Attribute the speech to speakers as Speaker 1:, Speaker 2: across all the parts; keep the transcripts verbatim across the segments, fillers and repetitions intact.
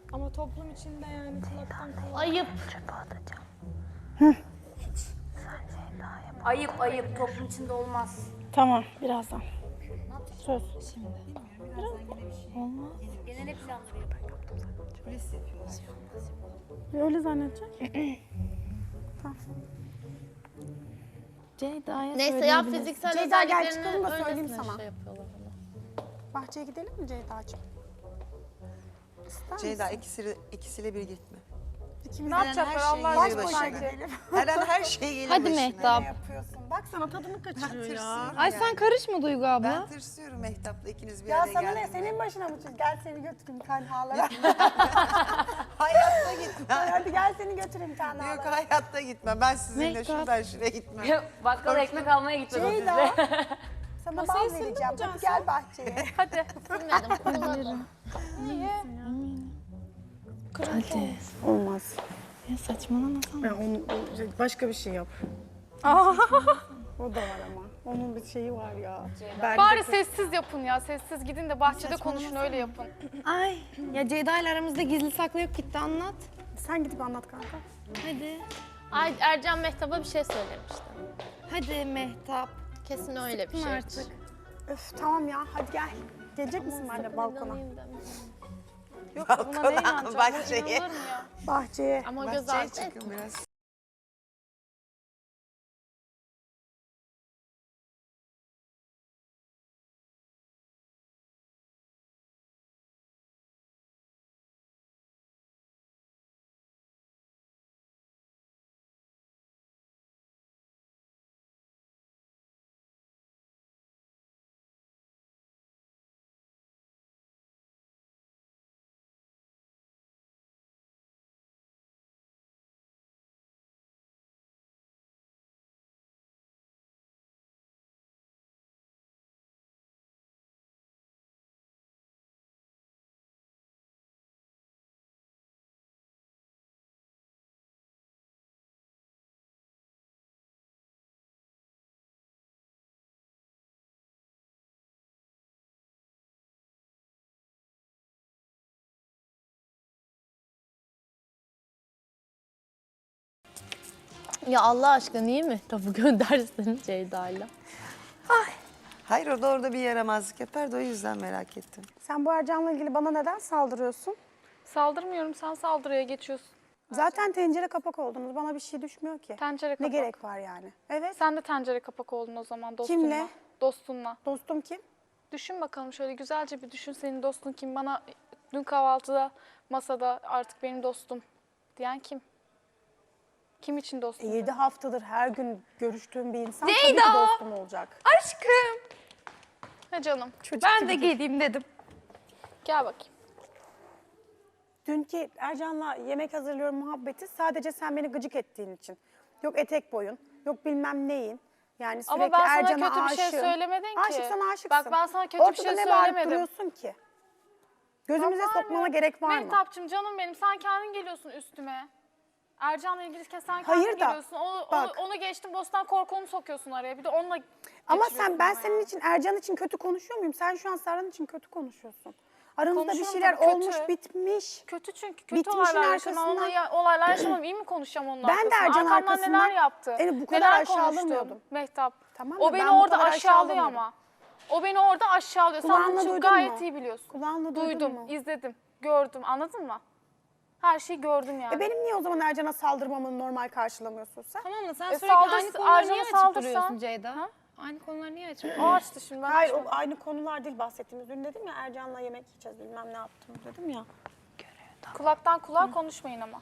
Speaker 1: Ama toplum içinde yani kulaktan kulağa.
Speaker 2: Ayıp.
Speaker 3: Çöpe atacağım.
Speaker 4: Hı.
Speaker 3: Sen Ceyda'ya bak.
Speaker 2: Ayıp ayıp toplum içinde olmaz.
Speaker 4: Tamam, birazdan. Söz.
Speaker 1: Şimdi.
Speaker 4: Olmaz.
Speaker 2: Genel planları yapıyor.
Speaker 4: Öyle zannedecek. Tamam.
Speaker 1: Ceyda'ya
Speaker 2: Neyse yap fiziksel
Speaker 4: Ceyda, gel
Speaker 2: özelliklerini
Speaker 4: çıkalım da söyleyeyim
Speaker 2: öylesine
Speaker 4: sana.
Speaker 2: Şey yapıyorlar bana.
Speaker 4: Bahçeye gidelim mi Ceyda'cığım? İster
Speaker 5: Ceyda
Speaker 4: misin?
Speaker 5: ikisiyle, ikisiyle bir gitme.
Speaker 4: İkimiz
Speaker 1: Ne
Speaker 4: de
Speaker 1: yapacaklar
Speaker 5: her şeyi
Speaker 1: Allah
Speaker 5: gelir
Speaker 1: aşkına?
Speaker 5: başına.
Speaker 4: gidelim.
Speaker 5: Her an her şey gelir
Speaker 2: Hadi
Speaker 5: başına.
Speaker 2: Mehtap.
Speaker 4: Ne yapıyorsun? Bak sana tadını kaçırıyor ya.
Speaker 5: Tırsıyorum
Speaker 1: Ay
Speaker 5: yani.
Speaker 1: sen karışma Duygu abla.
Speaker 5: Ben tırsıyorum Mehtap'la ikiniz bir
Speaker 4: Ya
Speaker 5: araya
Speaker 4: sana ne?
Speaker 5: geldiğinde.
Speaker 4: Senin başına mı çiz? Gel seni götüreyim tenhalara.
Speaker 5: Hayatta gitmem.
Speaker 4: Hadi gel seni götüreyim
Speaker 5: Yok
Speaker 4: tenhalara.
Speaker 5: hayatta gitmem. Ben sizinle
Speaker 1: Mehtap.
Speaker 5: şuradan şuraya gitmem.
Speaker 2: Bakkala ekmek almaya gitmedi o
Speaker 4: Ceyda.
Speaker 2: sizde.
Speaker 4: Sana
Speaker 1: Masayı
Speaker 4: bal
Speaker 1: sildi mi
Speaker 4: vereceğim. Hadi
Speaker 1: Cansu?
Speaker 4: gel bahçeye.
Speaker 2: Hadi. Bilmedim. Kullanırım.
Speaker 1: Hadi.
Speaker 4: Olmaz.
Speaker 1: Ya saçmalamasana.
Speaker 4: Ya onu başka bir şey yap. O da var ama. Onun bir şeyi var ya. Ben
Speaker 6: Bari sessiz yapın ya. Sessiz gidin de bahçede konuşun öyle yapın.
Speaker 1: Ay ya Ceyda ile aramızda gizli saklı yok, gitti anlat.
Speaker 4: Sen gidip anlat kanka.
Speaker 1: Hadi.
Speaker 2: Ay Ercan Mehtap'a bir şey söylemişti.
Speaker 1: Hadi Mehtap.
Speaker 2: Kesin öyle bir
Speaker 1: Sıktın
Speaker 2: şey.
Speaker 1: artık.
Speaker 4: Öf tamam ya hadi gel. Gelecek misin benimle balkona?
Speaker 2: İnanayım deme.
Speaker 6: Yok buna ne
Speaker 5: Balkona,
Speaker 6: inanacağım? Bu
Speaker 5: bahçeye.
Speaker 6: inanılır mı ya?
Speaker 4: Bahçeye.
Speaker 2: Ama göz
Speaker 5: Bahçeye
Speaker 2: ardı etme.
Speaker 5: çıkın biraz.
Speaker 2: Ya Allah aşkına niye Mehtap'ı göndersin Ceyda'yla?
Speaker 5: Hayır o da orada bir yaramazlık yapar da o yüzden merak ettim.
Speaker 4: Sen bu Ercan'la ilgili bana neden saldırıyorsun?
Speaker 6: Saldırmıyorum, sen saldırıya geçiyorsun.
Speaker 4: Zaten tencere kapak oldunuz. Bana bir şey düşmüyor ki.
Speaker 6: Tencere
Speaker 4: Ne
Speaker 6: kapak.
Speaker 4: gerek var yani? Evet.
Speaker 6: Sen de tencere kapak oldun o zaman dostunla.
Speaker 4: Kimle?
Speaker 6: Dostunla.
Speaker 4: Dostum kim?
Speaker 6: Düşün bakalım şöyle güzelce bir düşün, senin dostun kim? Bana dün kahvaltıda masada artık benim dostum diyen kim? Kim için
Speaker 4: E,
Speaker 6: dostum?
Speaker 4: yedi haftadır her gün görüştüğüm bir insan tabii
Speaker 1: Ceyda!
Speaker 4: ki dostum olacak.
Speaker 1: Aşkım.
Speaker 6: Ne canım?
Speaker 1: Ben de geleyim dedim.
Speaker 6: Gel bakayım.
Speaker 4: Dünkü Ercan'la yemek hazırlıyorum muhabbeti sadece sen beni gıcık ettiğin için. Yok etek boyun, yok bilmem neyin. Yani sürekli
Speaker 6: Ama ben sana
Speaker 4: Ercan'a
Speaker 6: kötü bir şey
Speaker 4: aşığım.
Speaker 6: söylemedin ki.
Speaker 4: Aşıksan aşıksın.
Speaker 6: Bak ben sana kötü bir
Speaker 4: Ortada
Speaker 6: şey
Speaker 4: ne bağırıp
Speaker 6: söylemedim.
Speaker 4: duruyorsun ki? Gözümüze
Speaker 6: Var
Speaker 4: sokmana
Speaker 6: mı?
Speaker 4: gerek var mı?
Speaker 6: Mehtapçığım canım benim, sen kendin geliyorsun üstüme. Ercan'la ilgiliyken sen kendin
Speaker 4: Hayır da,
Speaker 6: geliyorsun. Onu,
Speaker 4: bak.
Speaker 6: onu, onu geçtim, Bostan Korku'nu sokuyorsun araya. Bir de onunla
Speaker 4: Ama
Speaker 6: geçiriyorsun
Speaker 4: sen ben
Speaker 6: bana
Speaker 4: senin
Speaker 6: ya.
Speaker 4: için Ercan için kötü konuşuyor muyum? Sen şu an Serhan için kötü konuşuyorsun. Aranızda bir
Speaker 6: Konuşuyorum
Speaker 4: şeyler
Speaker 6: tabii, kötü.
Speaker 4: olmuş, bitmiş.
Speaker 6: Kötü çünkü kötü
Speaker 4: Bitmişin
Speaker 6: olaylar yaşanan,
Speaker 4: arkasından-
Speaker 6: onunla ya- olaylar yaşamam. İyi mi konuşacağım onun
Speaker 4: Ben de
Speaker 6: arkasından?
Speaker 4: Ercan'ın
Speaker 6: Arkamdan
Speaker 4: arkasından
Speaker 6: neler yaptı?
Speaker 4: yani bu kadar
Speaker 6: neler
Speaker 4: aşağılamıyordum.
Speaker 6: konuştum Mehtap.
Speaker 4: Tamam
Speaker 6: o
Speaker 4: da
Speaker 6: beni
Speaker 4: ben bu
Speaker 6: orada
Speaker 4: kadar
Speaker 6: aşağılıyor
Speaker 4: aşağılamıyorum.
Speaker 6: ama. O beni orada aşağılıyor. Sen
Speaker 4: Kulağınla
Speaker 6: onun için
Speaker 4: duydun
Speaker 6: gayet
Speaker 4: mu?
Speaker 6: iyi biliyorsun.
Speaker 4: Kulağınla duydun
Speaker 6: Duydum,
Speaker 4: mu?
Speaker 6: izledim, gördüm. Anladın mı? Her şeyi gördüm yani.
Speaker 4: E benim niye o zaman Ercan'a saldırmamı normal karşılamıyorsun sen?
Speaker 1: Tamam mı? Sen
Speaker 6: E,
Speaker 1: sürekli
Speaker 6: saldır-
Speaker 1: aynı konuları
Speaker 6: Ercan'a
Speaker 1: niye açıp
Speaker 6: saldırsan?
Speaker 1: duruyorsun Ceyda?
Speaker 6: Ha?
Speaker 1: Aynı konuları niye açıp
Speaker 6: O
Speaker 1: duruyorsun?
Speaker 6: açtı şimdi. Ben
Speaker 4: Hayır o
Speaker 6: açmadım.
Speaker 4: aynı konular değil bahsettiğimiz. Dün dedim ya Ercan'la yemek yiyeceğiz bilmem ne yaptım dedim ya.
Speaker 6: Kulaktan kulağa konuşmayın ama.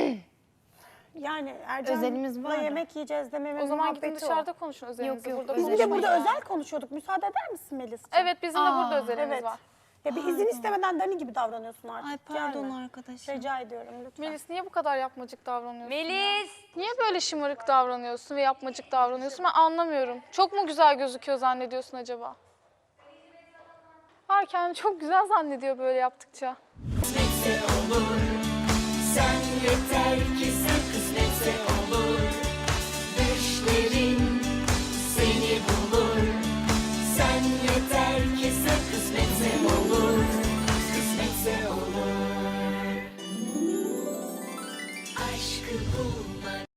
Speaker 4: Yani
Speaker 1: Özelimiz var
Speaker 4: Ercan'la
Speaker 1: da.
Speaker 4: yemek yiyeceğiz dememin
Speaker 6: O zaman gidin
Speaker 4: muhabbeti o.
Speaker 6: dışarıda konuşun özelinizi.
Speaker 1: yok,
Speaker 6: Burada
Speaker 4: Biz bir de
Speaker 6: konuşmayın
Speaker 4: burada
Speaker 6: ya.
Speaker 4: özel konuşuyorduk. Müsaade eder misin Melis'ciğim?
Speaker 6: Evet bizim de burada
Speaker 1: Aa,
Speaker 6: özelimiz
Speaker 4: Evet.
Speaker 6: var.
Speaker 4: Ya bir izin istemeden Dani gibi davranıyorsun artık.
Speaker 1: Ay pardon
Speaker 4: Gelme.
Speaker 1: arkadaşım.
Speaker 4: Rica ediyorum lütfen.
Speaker 6: Melis niye bu kadar yapmacık davranıyorsun?
Speaker 2: Melis!
Speaker 6: Niye böyle şımarık davranıyorsun ve yapmacık davranıyorsun? Ben anlamıyorum. Çok mu güzel gözüküyor zannediyorsun acaba? Var kendini çok güzel zannediyor böyle yaptıkça.
Speaker 7: Kısmetse olur. Sen yeter ki sen kısmetse olur. Düşlerin seni bulur. Sen yeter ki sen kısmetse olur. Kısmetse olur. aşkı bulmak.